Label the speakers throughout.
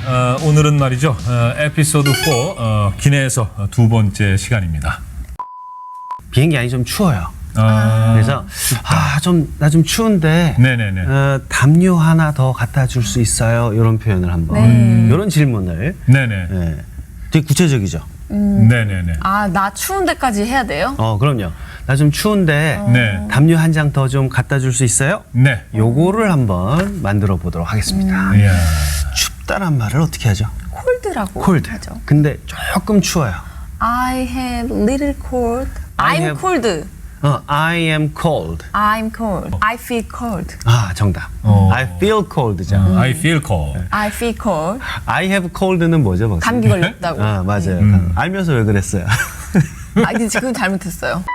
Speaker 1: 오늘은 말이죠. 에피소드 4 기내에서 두 번째 시간입니다.
Speaker 2: 비행기 안이 좀 추워요.
Speaker 1: 아,
Speaker 2: 그래서 나 좀 추운데
Speaker 1: 네네네.
Speaker 2: 담요 하나 더 갖다 줄 수 있어요? 이런 표현을 한번 이런 질문을
Speaker 1: 네네.
Speaker 2: 네. 되게 구체적이죠.
Speaker 1: 네네네.
Speaker 3: 아, 나 추운 데까지 해야 돼요?
Speaker 2: 그럼요. 나 좀 추운데
Speaker 1: 네.
Speaker 2: 담요 한 장 더 좀 갖다 줄 수 있어요?
Speaker 1: 네.
Speaker 2: 요거를 한번 만들어 보도록 하겠습니다.
Speaker 1: 이야.
Speaker 2: 춥다란 말을 어떻게 하죠?
Speaker 3: 콜드라고
Speaker 2: cold.
Speaker 3: 하죠.
Speaker 2: 근데 조금 추워요.
Speaker 3: I have little cold.
Speaker 2: I
Speaker 3: I'm
Speaker 2: have-
Speaker 3: cold.
Speaker 2: I am cold.
Speaker 3: I'm cold. I feel cold.
Speaker 2: 정답.
Speaker 1: 어.
Speaker 2: I feel cold죠.
Speaker 1: I feel cold.
Speaker 3: I feel cold.
Speaker 2: I have cold는 뭐죠, 박사님?
Speaker 3: 감기 걸렸다고.
Speaker 2: 맞아요. 알면서 왜 그랬어요?
Speaker 3: 근데 지금 잘못했어요.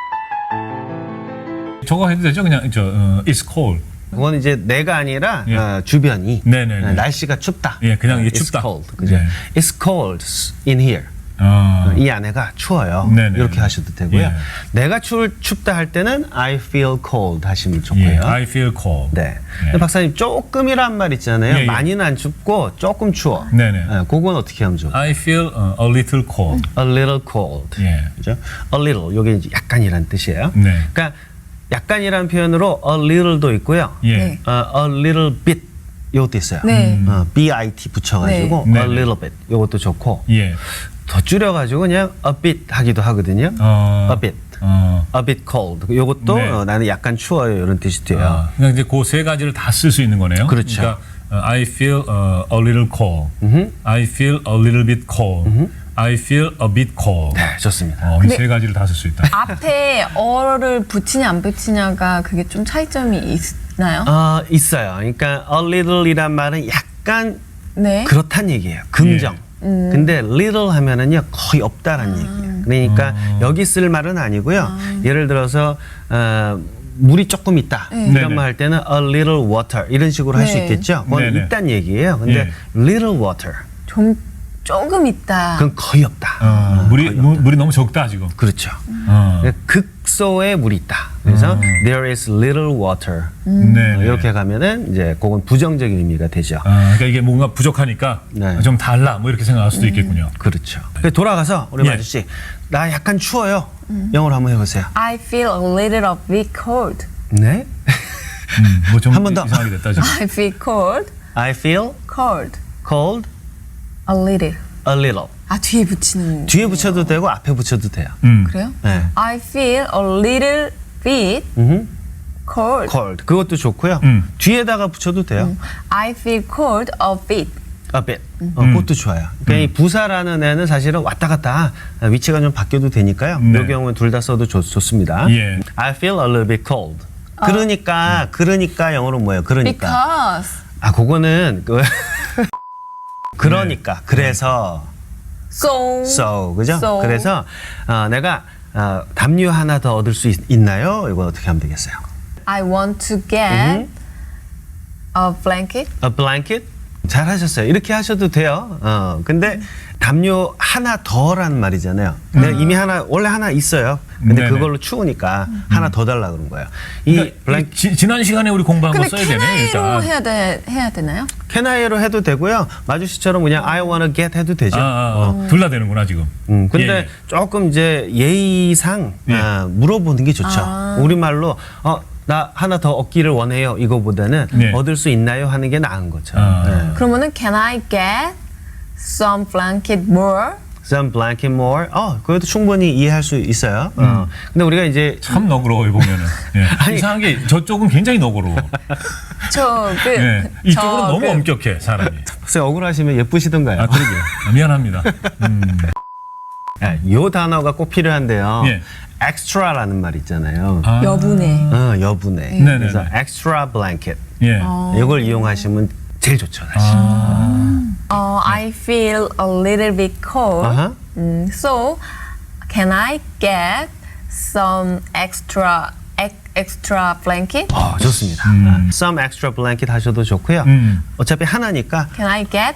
Speaker 1: 저거 해도 되죠? 그냥 it's cold.
Speaker 2: 그건 이제 내가 아니라
Speaker 1: 예.
Speaker 2: 주변이
Speaker 1: 네네네.
Speaker 2: 날씨가 춥다.
Speaker 1: 예, 그냥 이게
Speaker 2: It's
Speaker 1: 춥다.
Speaker 2: cold. 그죠?
Speaker 1: 네.
Speaker 2: It's cold in here. 이 안에가 추워요.
Speaker 1: 네네.
Speaker 2: 이렇게 하셔도 되고요.
Speaker 1: 예.
Speaker 2: 내가 춥다 할 때는 I feel cold 하시면 좋고요.
Speaker 1: 예, I feel cold.
Speaker 2: 네.
Speaker 1: 예.
Speaker 2: 근데 박사님 조금이란 말 있잖아요.
Speaker 1: 예, 예.
Speaker 2: 많이는 안 춥고 조금 추워.
Speaker 1: 네네.
Speaker 2: 그건 어떻게 하면 좋을까요?
Speaker 1: I feel a little cold.
Speaker 2: A little cold.
Speaker 1: 예.
Speaker 2: 그죠? A little. 요게 이제 약간이란 뜻이에요.
Speaker 1: 네.
Speaker 2: 그러니까 약간이라는 표현으로 a little도 있고요.
Speaker 1: 예.
Speaker 3: 네.
Speaker 2: a little bit 요것도 있어요.
Speaker 3: 네.
Speaker 2: bit 붙여가지고
Speaker 1: 네.
Speaker 2: a
Speaker 1: 네.
Speaker 2: little bit 요것도 좋고
Speaker 1: 예.
Speaker 2: 더 줄여가지고 그냥 a bit 하기도 하거든요.
Speaker 1: 어.
Speaker 2: a bit,
Speaker 1: 어.
Speaker 2: a bit cold. 요것도
Speaker 1: 네.
Speaker 2: 나는 약간 추워요 이런 뜻이 돼요.
Speaker 1: 그러니까 이제 그 세 가지를 다 쓸 수 있는 거네요.
Speaker 2: 그렇죠.
Speaker 1: 그러니까 I feel a little cold. I feel a little bit cold. I feel a bit cold.
Speaker 2: 네, 좋습니다.
Speaker 1: 이 세 가지를 다 쓸 수 있다.
Speaker 3: 앞에 어를 붙이냐 안 붙이냐가 그게 좀 차이점이 있나요?
Speaker 2: 있어요. 그러니까 a little이란 말은 약간
Speaker 3: 네.
Speaker 2: 그렇단 얘기예요. 긍정. 근데 little 하면은요 거의 없다라는 얘기예요. 그러니까 여기 쓸 말은 아니고요. 예를 들어서 물이 조금 있다
Speaker 3: 네.
Speaker 2: 이런
Speaker 1: 네네.
Speaker 2: 말 할 때는 a little water 이런 식으로 할 수
Speaker 3: 네.
Speaker 2: 있겠죠. 그건
Speaker 1: 네네.
Speaker 2: 있단 얘기예요. 근데
Speaker 1: 예.
Speaker 2: little water
Speaker 3: 조금 있다.
Speaker 2: 그건 거의 없다.
Speaker 1: 물이 너무 적다 지금.
Speaker 2: 그렇죠.
Speaker 1: 어.
Speaker 2: 극소의 물이 있다. 그래서 there is little water
Speaker 1: 네.
Speaker 2: 이렇게 가면은 이제 그건 부정적인 의미가 되죠.
Speaker 1: 그러니까 이게 뭔가 부족하니까
Speaker 2: 네.
Speaker 1: 좀 달라 뭐 이렇게 생각할 수도 있겠군요.
Speaker 2: 그렇죠. 돌아가서 우리
Speaker 1: 예.
Speaker 2: 마주 씨, 나 약간 추워요. 영어로 한번 해보세요.
Speaker 3: I feel a little bit cold.
Speaker 2: 네.
Speaker 1: 뭐좀
Speaker 2: 한번 더.
Speaker 1: 이상하게 됐다 지금.
Speaker 3: I feel cold.
Speaker 2: I feel
Speaker 3: cold.
Speaker 2: cold
Speaker 3: A little.
Speaker 2: a little.
Speaker 3: 뒤에 붙이는.
Speaker 2: 뒤에 붙여도 되고 앞에 붙여도 돼요.
Speaker 3: 그래요?
Speaker 2: 네.
Speaker 3: I feel a little bit cold.
Speaker 2: cold. 그것도 좋고요. 뒤에다가 붙여도 돼요.
Speaker 3: I feel cold a bit.
Speaker 2: a bit. 그것도 좋아요. 그러니까 이 부사라는 애는 사실은 왔다 갔다 위치가 좀 바뀌어도 되니까요.
Speaker 1: 네.
Speaker 2: 이 경우는 둘 다 써도 좋습니다.
Speaker 1: 예.
Speaker 2: I feel a little bit cold. 그러니까 영어로 뭐예요? 그러니까.
Speaker 3: Because.
Speaker 2: 그거는 그러니까 그래서 so 그죠?
Speaker 3: So.
Speaker 2: 그래서 내가 담요 하나 더 얻을 수 있나요? 이거 어떻게 하면 되겠어요?
Speaker 3: I want to get a blanket.
Speaker 2: A blanket? 잘하셨어요. 이렇게 하셔도 돼요. 근데 담요 하나 더란 말이잖아요. 내가 이미 원래 하나 있어요. 근데
Speaker 1: 네네.
Speaker 2: 그걸로 추우니까 하나 더 달라 그런 거예요. 이
Speaker 1: 그러니까 지난 시간에 우리 공부한 거
Speaker 3: 근데
Speaker 1: 써야 되네.
Speaker 3: 캐나이로
Speaker 1: 일단.
Speaker 3: 해야 되나요?
Speaker 2: 캐나이로 해도 되고요. 마주 씨처럼 그냥 I wanna get 해도 되죠.
Speaker 1: 둘 다 되는구나 지금.
Speaker 2: 근데
Speaker 1: 예, 예.
Speaker 2: 조금 이제 예의상
Speaker 1: 예.
Speaker 2: 물어보는 게 좋죠. 우리말로 나 하나 더 얻기를 원해요. 이거보다는
Speaker 1: 네.
Speaker 2: 얻을 수 있나요? 하는 게 나은 거죠.
Speaker 3: 그러면은 Can I get some blanket more?
Speaker 2: Some blanket more. 그것도 충분히 이해할 수 있어요. 근데 우리가 이제
Speaker 1: 참 너그러워요 보면은. 예. 이상한 게 저쪽은 굉장히 너그러워. 예. 이쪽은 너무 엄격해 사람이.
Speaker 2: 글쎄 억울하시면 예쁘시던가요?
Speaker 1: 그러게요. 미안합니다.
Speaker 2: 요 단어가 꼭 필요한데요.
Speaker 1: 예.
Speaker 2: extra라는 말 있잖아요.
Speaker 3: 여분의.
Speaker 2: 여분의.
Speaker 1: 네네네.
Speaker 2: 그래서 extra blanket.
Speaker 1: 예.
Speaker 2: 이걸 이용하시면 제일 좋죠, 사실.
Speaker 3: I feel a little bit cold.
Speaker 2: 아하.
Speaker 3: So can I get some extra blanket?
Speaker 2: 좋습니다. Some extra blanket 하셔도 좋고요. 어차피 하나니까
Speaker 3: Can I get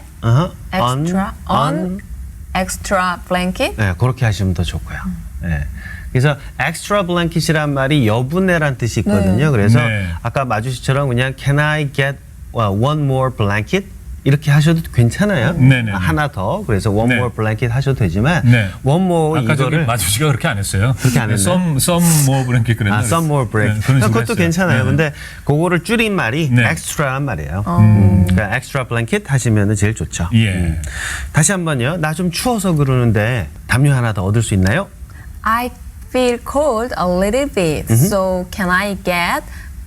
Speaker 3: extra blanket?
Speaker 2: 네, 그렇게 하시면 더 좋고요. 네. 그래서 extra blanket이란 말이 여분의란 뜻이 있거든요. 그래서
Speaker 1: 네.
Speaker 2: 아까 마주씨처럼 그냥 can I get one more blanket 이렇게 하셔도 괜찮아요.
Speaker 1: 네네네.
Speaker 2: 하나 더. 그래서 one
Speaker 1: 네.
Speaker 2: more blanket 하셔도 되지만
Speaker 1: 네.
Speaker 2: one more
Speaker 1: 아까 저기
Speaker 2: 이거를
Speaker 1: 마주 씨가 그렇게 안 했어요.
Speaker 2: 그렇게 안 했나요?
Speaker 1: some more blanket 그랬나?
Speaker 2: some more blanket.
Speaker 1: 네, 그런 식으로
Speaker 2: 그것도
Speaker 1: 했어요.
Speaker 2: 괜찮아요.
Speaker 1: 네.
Speaker 2: 근데 그거를 줄인 말이
Speaker 1: 네.
Speaker 2: extra란 말이에요. 그러니까 extra blanket 하시면 제일 좋죠.
Speaker 1: 예.
Speaker 2: 다시 한번요. 나 좀 추워서 그러는데 담요 하나 더 얻을 수 있나요?
Speaker 3: I feel cold a little bit. So can I get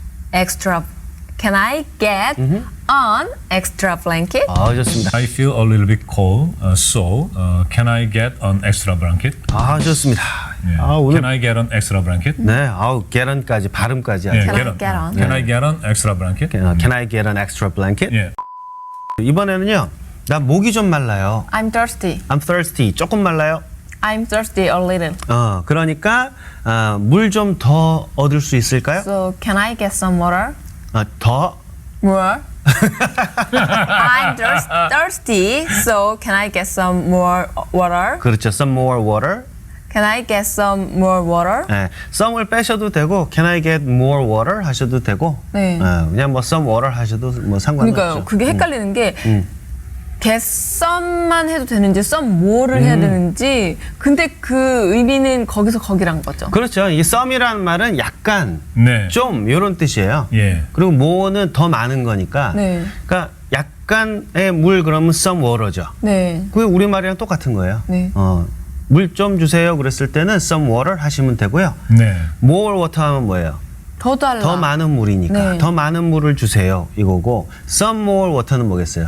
Speaker 3: an extra blanket?
Speaker 2: 좋습니다.
Speaker 1: I feel a little bit cold, so can I get an extra blanket?
Speaker 2: 좋습니다.
Speaker 1: 예.
Speaker 2: 오늘
Speaker 1: Can I get an extra blanket?
Speaker 2: 네, geton까지 발음까지
Speaker 1: 예,
Speaker 2: 아주.
Speaker 3: Can I get on?
Speaker 1: Can I get an extra blanket?
Speaker 2: Can I get an extra blanket?
Speaker 1: 예.
Speaker 2: 이번에는요. 나 목이 좀 말라요.
Speaker 3: I'm thirsty.
Speaker 2: I'm thirsty. 조금 말라요.
Speaker 3: I'm thirsty a little.
Speaker 2: 그러니까 물 좀 더 얻을 수 있을까요?
Speaker 3: So can I get some water?
Speaker 2: 더
Speaker 3: More? I'm thirsty. So can I get some more water?
Speaker 2: 그렇죠. Some more water.
Speaker 3: Can I get some more water?
Speaker 2: 네, some을 빼셔도 되고 Can I get more water 하셔도 되고
Speaker 3: 네.
Speaker 2: 그냥 뭐 some water 하셔도 뭐 상관없죠.
Speaker 3: 그러니까요. 그게 헷갈리는 게 get some만 해도 되는지 some more를 해야 되는지 근데 그 의미는 거기서 거기란 거죠.
Speaker 2: 그렇죠. 이 some이라는 말은 약간
Speaker 1: 네.
Speaker 2: 좀 이런 뜻이에요.
Speaker 1: 예.
Speaker 2: 그리고 more는 더 많은 거니까.
Speaker 3: 네.
Speaker 2: 그러니까 약간의 물 그러면 some water죠.
Speaker 3: 네.
Speaker 2: 그게 우리말이랑 똑같은 거예요.
Speaker 3: 네.
Speaker 2: 물 좀 주세요 그랬을 때는 some water 하시면 되고요.
Speaker 1: 네.
Speaker 2: more water 하면 뭐예요?
Speaker 3: 더 달라.
Speaker 2: 더 많은 물이니까
Speaker 3: 네.
Speaker 2: 더 많은 물을 주세요 이거고 some more water는 뭐겠어요?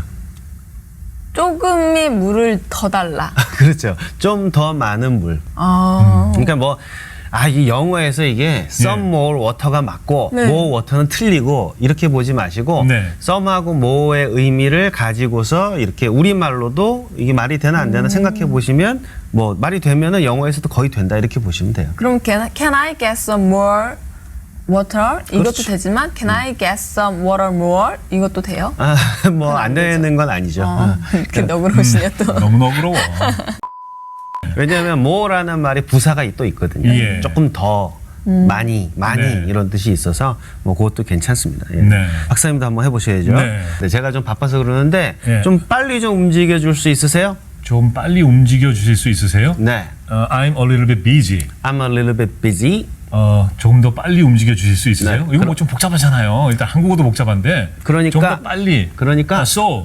Speaker 3: 조금의 물을 더 달라.
Speaker 2: 그렇죠. 좀 더 많은 물.
Speaker 3: 아.
Speaker 2: 그러니까 뭐 이 영어에서 이게 some more water가 맞고
Speaker 3: 네.
Speaker 2: more water는 틀리고 이렇게 보지 마시고
Speaker 1: 네.
Speaker 2: some하고 more의 의미를 가지고서 이렇게 우리말로도 이게 말이 되나 안 되나 생각해 보시면 뭐 말이 되면은 영어에서도 거의 된다 이렇게 보시면 돼요.
Speaker 3: 그럼 can I get some more water? 이것도
Speaker 2: 그렇죠.
Speaker 3: 되지만 can I get some water more? 이것도 돼요?
Speaker 2: 뭐 안 되는 건 아니죠.
Speaker 3: 그 너그러우시냐 또.
Speaker 1: 너무 너그러워.
Speaker 2: 왜냐하면 more라는 말이 부사가 또 있거든요.
Speaker 1: 예.
Speaker 2: 조금 더 많이
Speaker 1: 네.
Speaker 2: 이런 뜻이 있어서 뭐 그것도 괜찮습니다. 예.
Speaker 1: 네.
Speaker 2: 박사님도 한번 해보셔야죠.
Speaker 1: 네.
Speaker 2: 네, 제가 좀 바빠서 그러는데
Speaker 1: 예.
Speaker 2: 좀 빨리 좀 움직여 줄 수 있으세요?
Speaker 1: 좀 빨리 움직여 주실 수 있으세요?
Speaker 2: 네.
Speaker 1: I'm a little bit busy.
Speaker 2: I'm a little bit busy.
Speaker 1: 조금 더 빨리 움직여 주실 수 있으세요?
Speaker 2: 네.
Speaker 1: 이거 뭐 좀 복잡하잖아요. 일단 한국어도 복잡한데.
Speaker 2: 그러니까-
Speaker 1: 좀 더 빨리.
Speaker 2: 그러니까
Speaker 1: so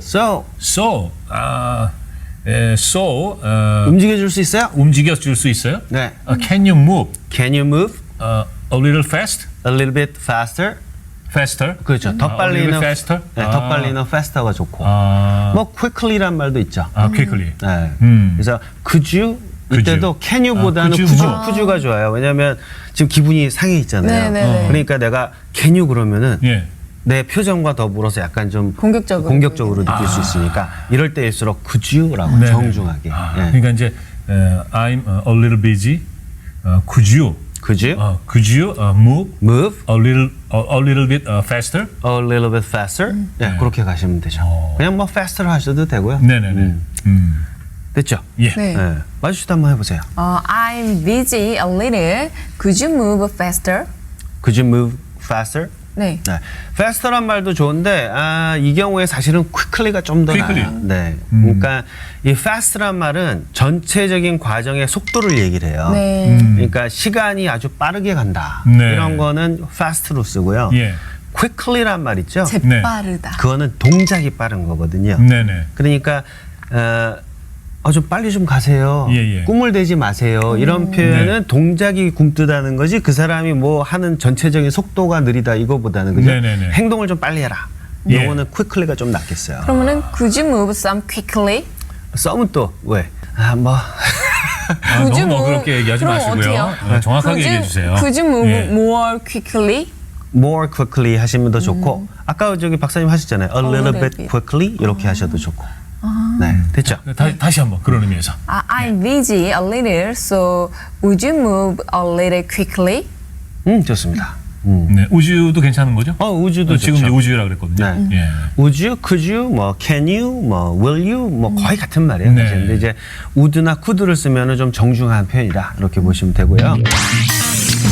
Speaker 2: 움직여 줄 수 있어요?
Speaker 1: 움직여 줄 수 있어요?
Speaker 2: 네.
Speaker 1: Can you move
Speaker 2: Can you move
Speaker 1: a little fast?
Speaker 2: a little bit faster?
Speaker 1: Faster?
Speaker 2: 그렇죠. 더
Speaker 1: a little
Speaker 2: 빨리는
Speaker 1: bit faster?
Speaker 2: 네, 더 빨리는 faster가 좋고.
Speaker 1: 아,
Speaker 2: 뭐 quickly란 말도 있죠.
Speaker 1: quickly.
Speaker 2: 네.
Speaker 1: 음.
Speaker 2: 그래서 could you 이때도 can you보다는
Speaker 1: could you
Speaker 2: could가 좋아요. 왜냐하면 지금 기분이 상해 있잖아요.
Speaker 3: 네네네.
Speaker 2: 그러니까 내가 can you 그러면은
Speaker 1: 예.
Speaker 2: 내 표정과 더불어서 약간 좀
Speaker 3: 공격적으로
Speaker 2: 느낄 수 있으니까 이럴 때일수록 could you라고
Speaker 1: 네네.
Speaker 2: 정중하게. 예.
Speaker 1: 그러니까 이제 I'm a little busy. Could you move
Speaker 2: move
Speaker 1: a little bit faster?
Speaker 2: a little bit faster. 네, 그렇게 가시면 되죠. 그냥 뭐 faster 하셔도 되고요.
Speaker 1: 네네네.
Speaker 2: 됐죠?
Speaker 1: 예.
Speaker 3: 네.
Speaker 2: 네. 마주씨도 한번 해보세요.
Speaker 3: I'm busy a little. Could you move faster?
Speaker 2: Could you move faster?
Speaker 3: 네.
Speaker 2: 네. faster란 말도 좋은데 이 경우에 사실은 quickly가 좀 더
Speaker 1: quickly.
Speaker 2: 나아요. 네. 그러니까 이 fast란 말은 전체적인 과정의 속도를 얘기를 해요.
Speaker 3: 네.
Speaker 2: 그러니까 시간이 아주 빠르게 간다.
Speaker 1: 네.
Speaker 2: 이런 거는 fast로 쓰고요.
Speaker 1: 예.
Speaker 2: quickly란 말 있죠?
Speaker 3: 재빠르다.
Speaker 2: 그거는 동작이 빠른 거거든요.
Speaker 1: 네네.
Speaker 2: 그러니까 좀 빨리 좀 가세요.
Speaker 1: 예.
Speaker 2: 꿈을 대지 마세요. 이런 표현은 동작이 굼뜨다는 거지 그 사람이 뭐 하는 전체적인 속도가 느리다 이거보다는 그죠?
Speaker 1: 네네네.
Speaker 2: 행동을 좀 빨리 해라.
Speaker 1: 예.
Speaker 2: 요거는 quickly가 좀 낫겠어요.
Speaker 3: 그러면은 could you move some quickly?
Speaker 2: 썸은 또 왜? 뭐
Speaker 3: Could you
Speaker 1: 너무
Speaker 3: move-
Speaker 1: 너그럽게 얘기하지
Speaker 3: 그럼
Speaker 1: 마시고요.
Speaker 3: 어때요?
Speaker 1: 정확하게
Speaker 3: Could you-
Speaker 1: 얘기해 주세요.
Speaker 3: Could you move
Speaker 1: 예.
Speaker 3: more quickly?
Speaker 2: more quickly 하시면 더 좋고 아까 저기 박사님 하셨잖아요. A little
Speaker 3: little
Speaker 2: bit
Speaker 3: bit.
Speaker 2: quickly 이렇게 하셔도 좋고. 네, 됐죠?
Speaker 1: 다시 한번 그런 의미에서.
Speaker 3: I'm busy a little, so would you move a little quickly?
Speaker 2: 좋습니다.
Speaker 1: 네, 우주도 괜찮은 거죠?
Speaker 2: 우주도
Speaker 1: 지금
Speaker 2: 좋죠.
Speaker 1: 이제 우주라 그랬거든요.
Speaker 2: 네.
Speaker 1: 예.
Speaker 2: Would you, could you, 뭐 can you, 뭐 will you, 뭐 거의 같은 말이에요.
Speaker 1: 네.
Speaker 2: 사실. 근데 이제 would나 could를 쓰면은 좀 정중한 표현이다 이렇게 보시면 되고요.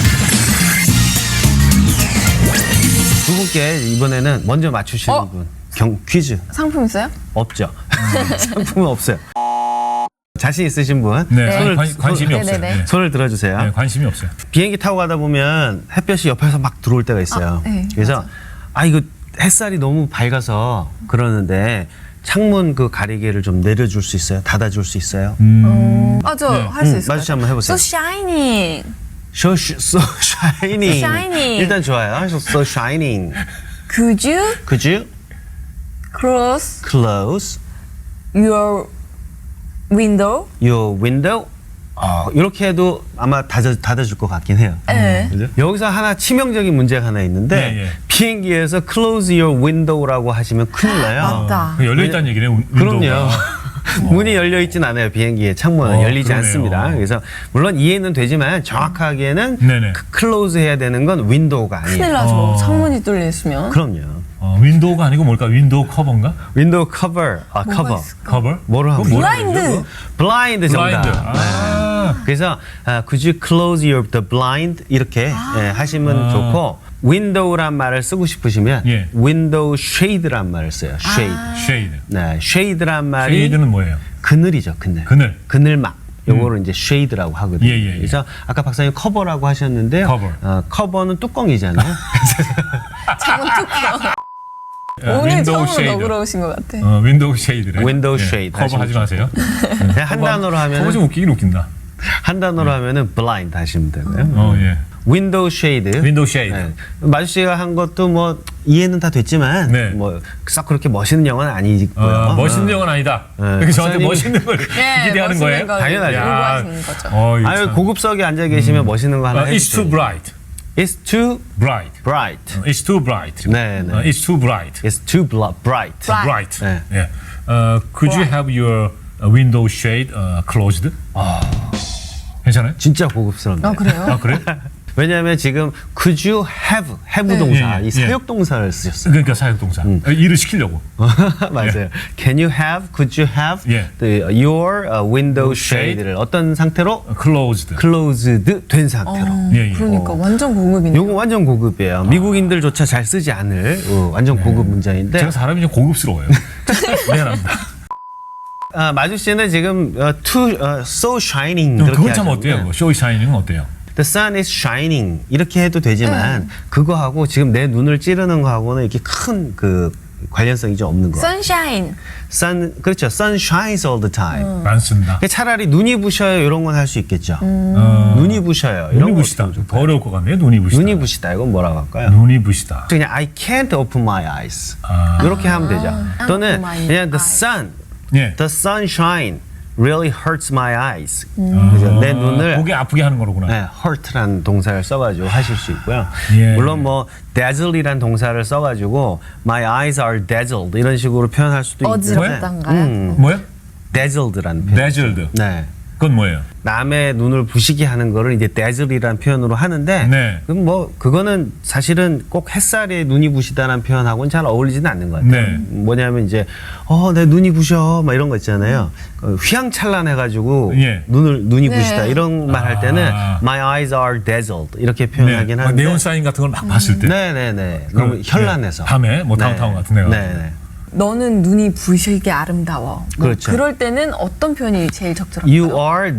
Speaker 2: 두 분께 이번에는 먼저 맞추시는 분 퀴즈
Speaker 3: 상품 있어요?
Speaker 2: 없죠. 상품은 없어요. 자신 있으신 분
Speaker 1: 네,
Speaker 3: 네.
Speaker 1: 관심이 없어요.
Speaker 3: 네네네.
Speaker 1: 네.
Speaker 2: 손을 들어주세요.
Speaker 1: 네, 관심이 없어요.
Speaker 2: 비행기 타고 가다 보면 햇볕이 옆에서 막 들어올 때가 있어요.
Speaker 3: 네,
Speaker 2: 그래서 이거 햇살이 너무 밝아서 그러는데 창문 그 가리개를 좀 내려줄 수 있어요? 닫아줄 수 있어요?
Speaker 3: 저 할 수 있을 것
Speaker 2: 마주씨
Speaker 3: 같아요.
Speaker 2: 한번 해보세요.
Speaker 3: So shining.
Speaker 2: So shining.
Speaker 3: Shining.
Speaker 2: 일단 좋아요. So shining.
Speaker 3: Could you
Speaker 2: Could you
Speaker 3: close
Speaker 2: close
Speaker 3: your window?
Speaker 2: your window? 이렇게 해도 아마 닫아줄 것 같긴 해요.
Speaker 3: 네.
Speaker 2: 그죠? 여기서 하나 치명적인 문제가 하나 있는데
Speaker 1: 예, 예.
Speaker 2: 비행기에서 close your window라고 하시면 큰일 나요.
Speaker 3: 맞다.
Speaker 1: 열려 있다는 얘기네.
Speaker 2: 그럼요.
Speaker 1: 윈도우가.
Speaker 2: 문이 열려 있진 않아요. 비행기의 창문은 열리지
Speaker 1: 그러네요.
Speaker 2: 않습니다. 그래서 물론 이해는 되지만 정확하게는
Speaker 1: 네네.
Speaker 2: 클로즈 해야 되는 건 윈도우가 아니에요.
Speaker 3: 큰일 나죠. 창문이 뚫려 있으면.
Speaker 2: 그럼요.
Speaker 1: 윈도우가 아니고 뭘까? 윈도우 커버인가?
Speaker 2: 윈도우 커버. 커버.
Speaker 3: 있을까?
Speaker 1: 커버?
Speaker 2: 뭐로 하면
Speaker 3: 블라인드.
Speaker 2: 블라인드 정답.
Speaker 1: 블라인드.
Speaker 2: 그래서 could you close the blind 이렇게 하시면 좋고 window란 말을 쓰고 싶으시면
Speaker 1: 예.
Speaker 2: window shade란 말을 써요. shade.
Speaker 1: 쉐이드.
Speaker 2: 네, shade란 말이
Speaker 1: 쉐이드는 뭐예요?
Speaker 2: 그늘이죠, 그늘.
Speaker 1: 그늘.
Speaker 2: 그늘막. 요거를 이제 shade라고 하거든요.
Speaker 1: 예, 예, 예.
Speaker 2: 그래서 아까 박사님 커버라고 하셨는데요.
Speaker 1: 커버.
Speaker 2: 커버는 뚜껑이잖아요.
Speaker 3: 창문 뚫려. 오늘 처음으로 너그러우신 것 같아.
Speaker 1: 윈도우 쉐이드래.
Speaker 2: 윈도우
Speaker 1: 예,
Speaker 2: 쉐이드
Speaker 1: 커버 하지
Speaker 2: 하시면
Speaker 1: 마세요.
Speaker 2: 그냥 한 단어로
Speaker 1: 커버 좀
Speaker 2: 하면
Speaker 1: 웃기긴 웃긴다.
Speaker 2: 한 단어로 하면은 blind 하시면 되고요.
Speaker 1: 예.
Speaker 2: 윈도우 쉐이드.
Speaker 1: 윈도우 쉐이드.
Speaker 2: 네. 마주 씨가 한 것도 뭐 이해는 다 됐지만
Speaker 1: 네.
Speaker 2: 뭐 썩 그렇게 멋있는 영화는 아니고요.
Speaker 1: 멋있는 영화는 아니다.
Speaker 2: 네.
Speaker 1: 그래서 저한테
Speaker 2: 박사님이-
Speaker 1: 멋있는 걸 기대하는 거예요?
Speaker 2: 당연하죠.
Speaker 3: 요구하시는 거죠.
Speaker 1: 이거
Speaker 2: 아유
Speaker 1: 참.
Speaker 2: 고급석에 앉아 계시면 멋있는 거 하나
Speaker 1: It's
Speaker 2: 해주세요.
Speaker 1: too bright.
Speaker 2: It's too
Speaker 1: Bright.
Speaker 2: bright.
Speaker 1: It's too bright.
Speaker 2: 네, 네.
Speaker 1: It's too bright.
Speaker 2: It's too bright.
Speaker 3: Bright.
Speaker 1: Bright.
Speaker 2: 네.
Speaker 1: 예. Could you have your window shade closed? 괜찮아요?
Speaker 2: 진짜 고급스럽네요.
Speaker 3: 그래요?
Speaker 1: 아 그래?
Speaker 2: 왜냐하면 지금 could you have 동사
Speaker 1: 예, 예,
Speaker 2: 이
Speaker 1: 예.
Speaker 2: 사역 동사를 쓰셨어요.
Speaker 1: 그러니까 사역동사. 일을 시키려고.
Speaker 2: 맞아요. Can you have? Could you have
Speaker 1: 예.
Speaker 2: your window
Speaker 1: shade.
Speaker 2: shade를 어떤 상태로
Speaker 1: Closed.
Speaker 2: closed 된 상태로.
Speaker 1: 예, 예.
Speaker 3: 그러니까 완전 고급이네.
Speaker 2: 요거 완전 고급이에요. 미국인들조차 잘 쓰지 않을 완전 고급 문장인데
Speaker 1: 제가 사람이 좀 고급스러워요. 미안합니다.
Speaker 2: 마주 씨는 지금 so shining
Speaker 1: 그럼
Speaker 2: 그렇게
Speaker 1: 그건 참
Speaker 2: 하셨는데
Speaker 1: 어때요? 쇼이 샤이닝은 어때요?
Speaker 2: The sun is shining 이렇게 해도 되지만 그거하고 지금 내 눈을 찌르는 거하고는 이렇게 큰 그 관련성이 좀 없는 거.
Speaker 3: Sunshine.
Speaker 2: 그렇죠. Sun shines all the time.
Speaker 1: 안 쓴다.
Speaker 2: 차라리 눈이 부셔요 이런 건 할 수 있겠죠. 눈이 부셔요 이런
Speaker 1: 눈이
Speaker 2: 거
Speaker 1: 부시다.
Speaker 2: 어떻게
Speaker 1: 더 어려울 것 같네요. 눈이 부시다.
Speaker 2: 눈이 부시다 이건 뭐라고 할까요?
Speaker 1: 눈이 부시다.
Speaker 2: 그냥 I can't open my eyes 이렇게 하면 되죠. 또는
Speaker 3: open my
Speaker 2: 그냥 the
Speaker 3: eyes.
Speaker 2: sun,
Speaker 1: 예.
Speaker 2: the sunshine really hurts my eyes. 그래서 내 눈을
Speaker 1: 보기 아프게 하는 거로구나.
Speaker 2: 네, hurt란 동사를 써가지고 하실 수 있고요.
Speaker 1: 예.
Speaker 2: 물론 뭐 dazzle이란 동사를 써가지고 my eyes are dazzled 이런 식으로 표현할 수도 있는데
Speaker 3: 어지럽단가요?
Speaker 1: 뭐요?
Speaker 2: dazzled라는 표현.
Speaker 1: Dazzled.
Speaker 2: 네.
Speaker 1: 그건 뭐예요?
Speaker 2: 남의 눈을 부시게 하는 거를 이제 dazzle이라는 표현으로 하는데
Speaker 1: 네.
Speaker 2: 그럼 뭐 그거는 사실은 꼭 햇살에 눈이 부시다는 표현하고는 잘 어울리지는 않는 것 같아요.
Speaker 1: 네.
Speaker 2: 뭐냐면 이제 내 눈이 부셔 막 이런 거 있잖아요. 휘황찬란해가지고
Speaker 1: 예.
Speaker 2: 눈이
Speaker 3: 네.
Speaker 2: 부시다 이런 말 할 때는 my eyes are dazzled 이렇게 표현하긴
Speaker 1: 네.
Speaker 2: 하는데
Speaker 1: 네온 사인 같은 걸 막 봤을 때.
Speaker 2: 네네네. 너무 현란해서.
Speaker 1: 밤에 뭐 다운타운 같은 데 가서.
Speaker 2: 네네.
Speaker 3: 너는 눈이 부시게 아름다워. 뭐
Speaker 2: 그렇죠.
Speaker 3: 그럴 때는 어떤 표현이 제일 적절할까요?
Speaker 2: You are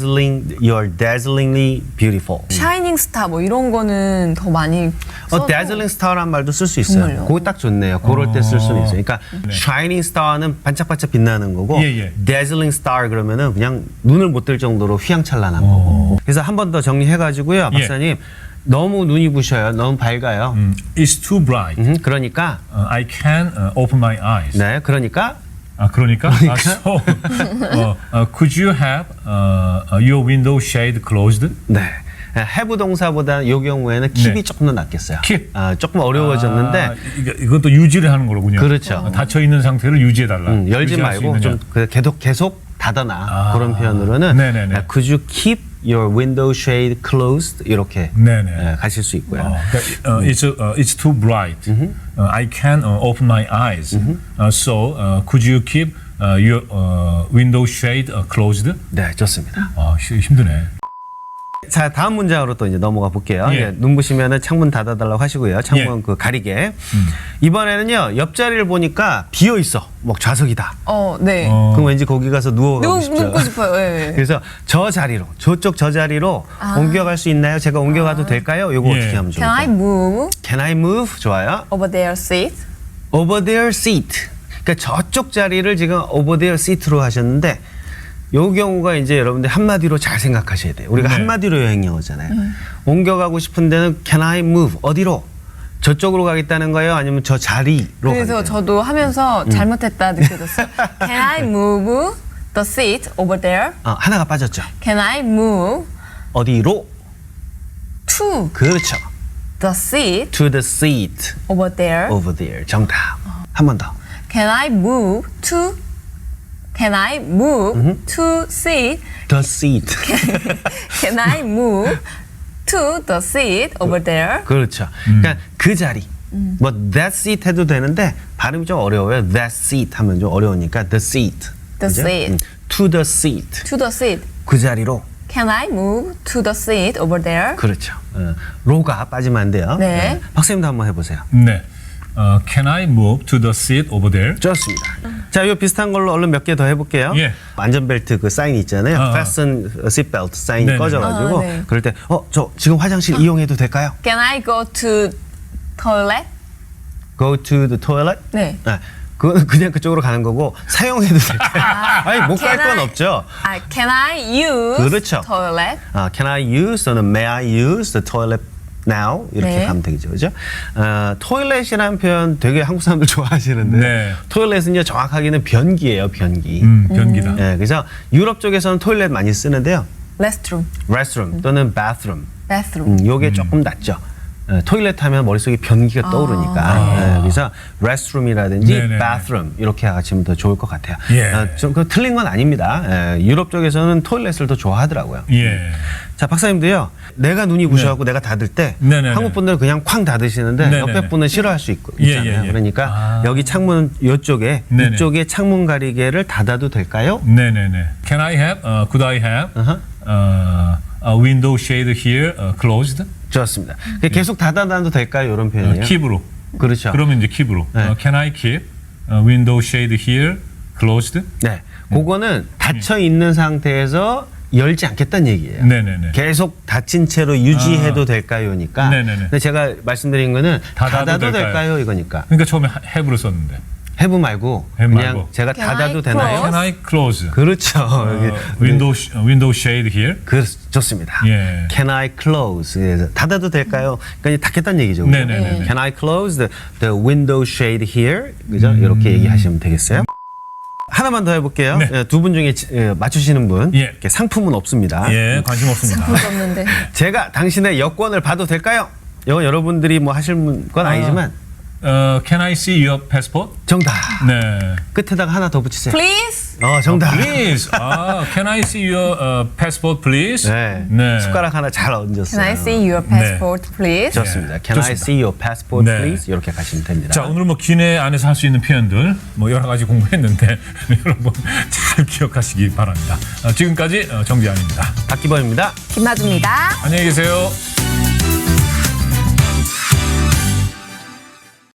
Speaker 2: dazzlingly beautiful.
Speaker 3: 샤이닝 스타 뭐 이런 거는 더 많이 써도
Speaker 2: dazzling star란 말도 쓸 수 있어요.
Speaker 3: 정말요?
Speaker 2: 그거 딱 좋네요. 그럴 때 쓸 수는 있어요. 그러니까 shining star는 반짝반짝 빛나는 거고
Speaker 1: 예, 예.
Speaker 2: dazzling star 그러면은 그냥 눈을 못 뜰 정도로 휘황찬란한 거고. 그래서 한 번 더 정리해가지고요, 박사님. 너무 눈이 부셔요. 너무 밝아요.
Speaker 1: It's too bright.
Speaker 2: 그러니까
Speaker 1: I can open my eyes.
Speaker 2: 네, 그러니까
Speaker 1: 그러니까? So, could you have your window shade closed?
Speaker 2: 네. have 동사보다 이 경우에는 keep이
Speaker 1: 네.
Speaker 2: 조금 더 낫겠어요.
Speaker 1: keep.
Speaker 2: 조금 어려워졌는데
Speaker 1: 이건 또 유지를 하는 거로군요.
Speaker 2: 그렇죠.
Speaker 1: 닫혀 있는 상태를 유지해달라.
Speaker 2: 열지
Speaker 1: 유지할 수
Speaker 2: 말고
Speaker 1: 있느냐.
Speaker 2: 좀 계속 닫아놔. 그런 표현으로는
Speaker 1: 네네네.
Speaker 2: Could you keep your window shade closed? 이렇게
Speaker 1: 네네.
Speaker 2: 가실 수 있고요.
Speaker 1: 그러니까, it's too bright. I can open my eyes. So, could you keep your window shade closed?
Speaker 2: 네, 좋습니다.
Speaker 1: 힘드네.
Speaker 2: 자, 다음 문장으로 또 이제 넘어가 볼게요.
Speaker 1: 예.
Speaker 2: 예, 눈부시면은 창문 닫아달라고 하시고요. 창문
Speaker 1: 예.
Speaker 2: 그 가리개. 이번에는요, 옆자리를 보니까 비어 있어. 뭐 좌석이다.
Speaker 3: 네.
Speaker 2: 그럼 왠지 거기 가서 누워가고 싶죠.
Speaker 3: 눕고 싶어요. 예.
Speaker 2: 그래서 저 자리로, 저쪽 저 자리로 옮겨갈 수 있나요? 제가 옮겨가도 될까요? 요거
Speaker 1: 예.
Speaker 2: 어떻게 하면
Speaker 3: Can I
Speaker 2: 좋을까요?
Speaker 3: move
Speaker 2: Can I move? 좋아요.
Speaker 3: over their seat?
Speaker 2: Over their seat. 그러니까 저쪽 자리를 지금 over their seat로 하셨는데 요 경우가 이제 여러분들 한마디로 잘 생각하셔야 돼요. 우리가
Speaker 1: 네.
Speaker 2: 한마디로 여행 영어잖아요. 옮겨가고 싶은 데는 can I move? 어디로? 저쪽으로 가겠다는 거예요? 아니면 저 자리로
Speaker 3: 그래서
Speaker 2: 가겠다는
Speaker 3: 저도 하면서 잘못했다 느껴졌어요. Can I move the seat over there?
Speaker 2: 하나가 빠졌죠.
Speaker 3: Can I move
Speaker 2: 어디로?
Speaker 3: to
Speaker 2: 그렇죠.
Speaker 3: the seat
Speaker 2: To the seat
Speaker 3: over there?
Speaker 2: over there. 정답. 한 번 더.
Speaker 3: Can I move to seat?
Speaker 2: The seat.
Speaker 3: Can I move to the seat over there?
Speaker 2: 그렇죠. 그러니까 그 자리. 뭐 that seat 해도 되는데 발음이 좀 어려워요. That seat 하면 좀 어려우니까 the seat.
Speaker 3: The
Speaker 2: 그죠?
Speaker 3: seat.
Speaker 2: To the seat.
Speaker 3: To the seat.
Speaker 2: 그 자리로.
Speaker 3: Can I move to the seat over there?
Speaker 2: 그렇죠. 로가 빠지면 안 돼요.
Speaker 3: 네.
Speaker 2: 박사님도 한번 해보세요.
Speaker 1: 네. Can I move to the seat over there?
Speaker 2: 좋습니다. 자, 이 비슷한 걸로 얼른 몇 개 더 해볼게요.
Speaker 1: 예.
Speaker 2: 안전벨트 그 사인 있잖아요. Fasten seatbelt 사인이
Speaker 1: 네네.
Speaker 2: 꺼져가지고
Speaker 3: 네.
Speaker 2: 그럴 때 저 지금 화장실 이용해도 될까요?
Speaker 3: Can I go to toilet?
Speaker 2: Go to the toilet?
Speaker 3: 네.
Speaker 2: 그건 그냥 그쪽으로 가는 거고 사용해도 될까요? 아니 못 갈
Speaker 3: Can
Speaker 2: 건
Speaker 3: I-
Speaker 2: 없죠.
Speaker 3: Can I use
Speaker 2: 그렇죠.
Speaker 3: toilet?
Speaker 2: Can I use 또는 May I use the toilet now 이렇게
Speaker 3: 네.
Speaker 2: 가면 되겠죠, 그죠? 토일렛이라는 표현 되게 한국 사람들 좋아하시는데
Speaker 1: 네.
Speaker 2: 토일렛은요 정확하게는 변기예요, 변기.
Speaker 1: 변기다.
Speaker 2: 네, 그래서 유럽 쪽에서는 토일렛 많이 쓰는데요,
Speaker 3: Restroom.
Speaker 2: restroom 또는 bathroom.
Speaker 3: Bathroom.
Speaker 2: 요게 조금 낫죠. 토일렛 하면 머릿속에 변기가 떠오르니까. 그래서 restroom이라든지
Speaker 1: 네네네.
Speaker 2: bathroom 이렇게 하시면 더 좋을 것 같아요.
Speaker 1: 예.
Speaker 2: 그 틀린 건 아닙니다. 유럽 쪽에서는 토일렛을 더 좋아하더라고요.
Speaker 1: 예.
Speaker 2: 자, 박사님도요. 내가 눈이 부셔갖고 내가 닫을 때
Speaker 1: 네네네.
Speaker 2: 한국 분들은 그냥 쾅 닫으시는데
Speaker 1: 네네네.
Speaker 2: 옆에 분은 싫어할 수
Speaker 1: 예,
Speaker 2: 있잖아요.
Speaker 1: 예, 예.
Speaker 2: 그러니까 여기 창문 이쪽에
Speaker 1: 네네.
Speaker 2: 이쪽에 창문 가리개를 닫아도 될까요?
Speaker 1: 네네네. Can I have? Could I have? A window shade here closed?
Speaker 2: 좋습니다. 계속 닫아놔도 될까요? 이런 표현이에요.
Speaker 1: 킵으로.
Speaker 2: 그렇죠.
Speaker 1: 그러면 이제 킵으로.
Speaker 2: 네.
Speaker 1: Can I keep window shade here closed?
Speaker 2: 네, 그거는 닫혀 있는 상태에서 열지 않겠다는 얘기예요.
Speaker 1: 네네네.
Speaker 2: 계속 닫힌 채로 유지해도 될까요니까.
Speaker 1: 네네네.
Speaker 2: 근데 제가 말씀드린 거는
Speaker 1: 닫아도
Speaker 2: 닫아도
Speaker 1: 될까요?
Speaker 2: 될까요? 이거니까.
Speaker 1: 그러니까 처음에 have로 썼는데.
Speaker 2: 해부 말고
Speaker 1: 해부
Speaker 2: 그냥
Speaker 1: 말고.
Speaker 2: 제가
Speaker 3: Can I
Speaker 2: 닫아도
Speaker 3: close?
Speaker 2: 되나요?
Speaker 1: Can I close?
Speaker 2: 그렇죠. 여기
Speaker 1: window shade here?
Speaker 2: 좋습니다.
Speaker 1: 예.
Speaker 2: Can I close? 그래서 닫아도 될까요? 그러니까 닫겠다는 얘기죠. 그죠?
Speaker 1: 네네네.
Speaker 2: Can I close the window shade here? 그죠? 이렇게 얘기하시면 되겠어요. 하나만 더 해볼게요.
Speaker 1: 네.
Speaker 2: 두 분 중에 맞추시는 분
Speaker 1: 예.
Speaker 2: 이렇게 상품은 없습니다.
Speaker 1: 예, 관심 없습니다.
Speaker 3: 볼수 없는데.
Speaker 2: 제가 당신의 여권을 봐도 될까요? 이건 여러분들이 뭐 하실 건 아니지만
Speaker 1: Can I see your passport?
Speaker 2: 정답.
Speaker 1: 네.
Speaker 2: 끝에다가 하나 더 붙이세요.
Speaker 3: Please?
Speaker 2: 정답.
Speaker 1: Please. Can I see your passport, please?
Speaker 2: 네. 숟가락 하나 잘 얹었어요.
Speaker 3: Can I see your passport, please?
Speaker 2: 좋습니다. Can I
Speaker 1: 좋습니다.
Speaker 2: see your passport,
Speaker 1: 네.
Speaker 2: please? 이렇게 가시면 됩니다.
Speaker 1: 자, 오늘 뭐 기내 안에서 할 수 있는 표현들 뭐 여러 가지 공부했는데 여러분 잘 기억하시기 바랍니다. 지금까지 정재환입니다.
Speaker 2: 박기범입니다.
Speaker 3: 김마주입니다.
Speaker 1: 안녕히 계세요.